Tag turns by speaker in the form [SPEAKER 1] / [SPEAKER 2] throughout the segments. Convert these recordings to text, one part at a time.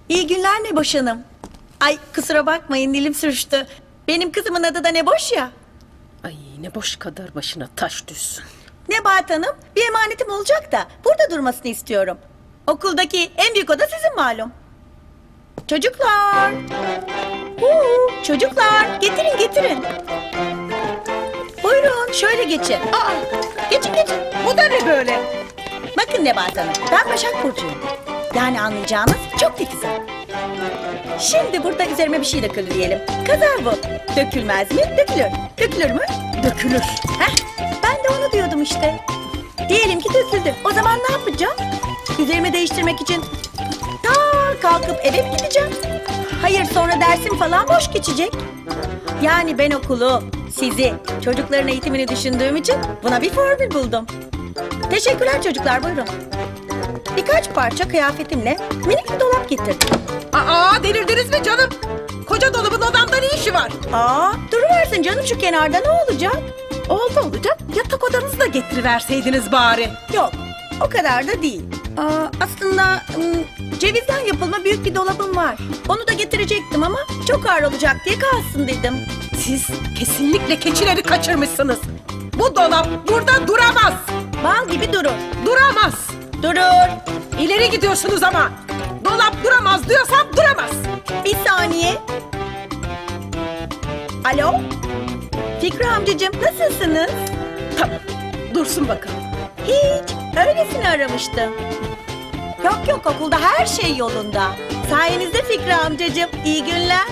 [SPEAKER 1] İyi günler Neboş Hanım. Ay kusura bakmayın dilim sürçtü. Benim kızımın adı da Neboş ya.
[SPEAKER 2] Ay ne boş kadar başına taş düşsün.
[SPEAKER 1] Nebahat Hanım bir emanetim olacak da burada durmasını istiyorum. Okuldaki en büyük oda sizin malum. Çocuklar. Çocuklar getirin getirin. Buyurun şöyle geçin. Geçin.
[SPEAKER 2] Bu da ne böyle?
[SPEAKER 1] Bakın Nebahat Hanım ben Başak Burcu'yum. Yani anlayacağınız çok titizim. Şimdi burada üzerime bir şey döküldü diyelim. Kaza bu. Dökülmez mi? Dökülür. Dökülür mü? Dökülür. Heh, ben de onu diyordum işte. Diyelim ki döküldü. O zaman ne yapacağım? Üzerimi değiştirmek için kalkıp eve mi gideceğim? Hayır sonra dersim falan boş geçecek. Yani ben okulu, sizi, çocukların eğitimini düşündüğüm için buna bir formül buldum. Teşekkürler çocuklar buyurun. Birkaç parça kıyafetimle minik bir dolap getirdim.
[SPEAKER 2] Delirdiniz mi canım? Koca dolabın odamda ne işi var?
[SPEAKER 1] Duruversin canım şu kenarda ne olacak?
[SPEAKER 2] Olacak. Yatak odanızı da getiriverseydiniz bari.
[SPEAKER 1] Yok o kadar da değil. Aslında cevizden yapılma büyük bir dolabım var. Onu da getirecektim ama çok ağır olacak diye kalsın dedim.
[SPEAKER 2] Siz kesinlikle keçileri kaçırmışsınız. Bu dolap burada duramaz.
[SPEAKER 1] Bal gibi durur.
[SPEAKER 2] Duramaz.
[SPEAKER 1] Durur.
[SPEAKER 2] İleri gidiyorsunuz ama. Dolap duramaz diyorsam duramaz.
[SPEAKER 1] Bir saniye. Alo? Fikri amcacığım nasılsınız?
[SPEAKER 2] Tamam. Dursun bakalım.
[SPEAKER 1] Hiç. Öylesine aramıştım. Yok okulda her şey yolunda. Sayenizde Fikri amcacığım. İyi günler.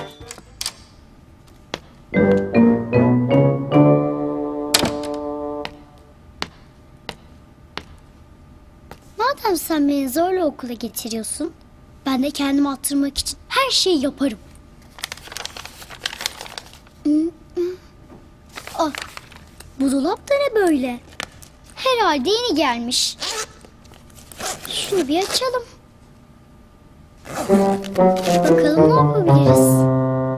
[SPEAKER 3] Madem sen beni zorla okula getiriyorsun, ben de kendimi attırmak için her şeyi yaparım. Bu dolap da ne böyle? Herhalde yeni gelmiş. Şunu bir açalım. Bakalım ne yapabiliriz?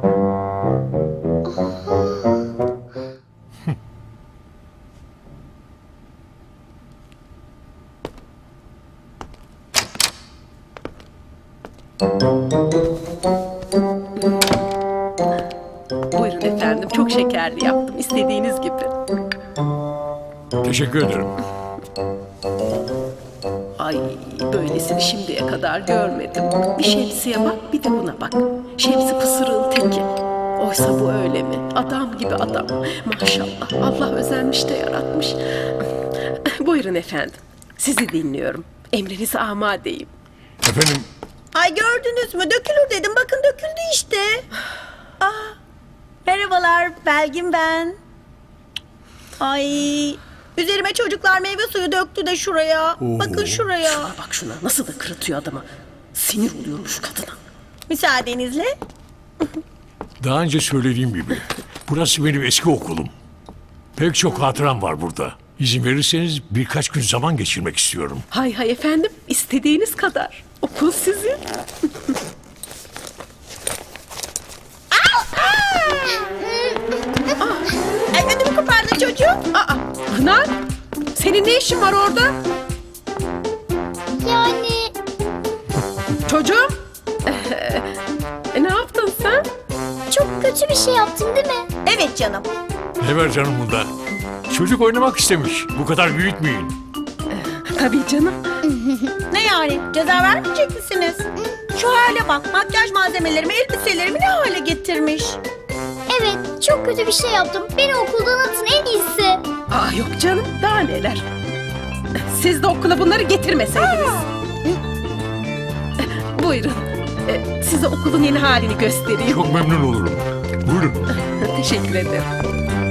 [SPEAKER 2] Buyurun efendim. Çok şekerli yaptım. İstediğiniz gibi.
[SPEAKER 4] Teşekkür ederim.
[SPEAKER 2] Ay böylesini şimdiye kadar görmedim. Bir şemsiye bak bir de buna bak. Şemsi pısırığın teki. Oysa bu öyle mi? Adam gibi adam. Maşallah Allah özenmiş de yaratmış. Buyurun efendim. Sizi dinliyorum. Emrinize amadeyim.
[SPEAKER 4] Efendim,
[SPEAKER 1] Ay gördünüz mü? Dökülür dedim. Bakın döküldü işte. Merhabalar. Belgin ben. Ay. Üzerime çocuklar meyve suyu döktü de şuraya. Bakın şuraya.
[SPEAKER 2] Şuna bak şuna. Nasıl da kırıtıyor adamı. Sinir oluyorum şu kadına.
[SPEAKER 1] Müsaadenizle.
[SPEAKER 4] daha önce söylediğim gibi burası benim eski okulum. Pek çok hatıram var burada. İzin verirseniz birkaç gün zaman geçirmek istiyorum.
[SPEAKER 2] Hay hay efendim. İstediğiniz kadar. Okul sizin.
[SPEAKER 1] Ay ödümü kopardın çocuğum.
[SPEAKER 2] Pınar. Senin ne işin var orada?
[SPEAKER 3] Yani
[SPEAKER 2] Çocuğum. Ne yaptın sen?
[SPEAKER 3] çok kötü bir şey yaptın değil mi?
[SPEAKER 1] Evet canım.
[SPEAKER 4] Ne var canım bunda? Çocuk oynamak istemiş. Bu kadar büyütmeyin.
[SPEAKER 2] Tabii canım.
[SPEAKER 1] Ne yani? Ceza vermeyecek misiniz? Şu hale bak. Makyaj malzemelerimi, elbiselerimi ne hale getirmiş.
[SPEAKER 3] Evet, çok kötü bir şey yaptım. Beni okuldan atın en iyisi.
[SPEAKER 2] Yok canım. Daha neler. Siz de okula bunları getirmeseydiniz. Buyurun. Size okulun yeni halini göstereyim.
[SPEAKER 4] Çok memnun olurum. Buyurun.
[SPEAKER 2] Teşekkür ederim.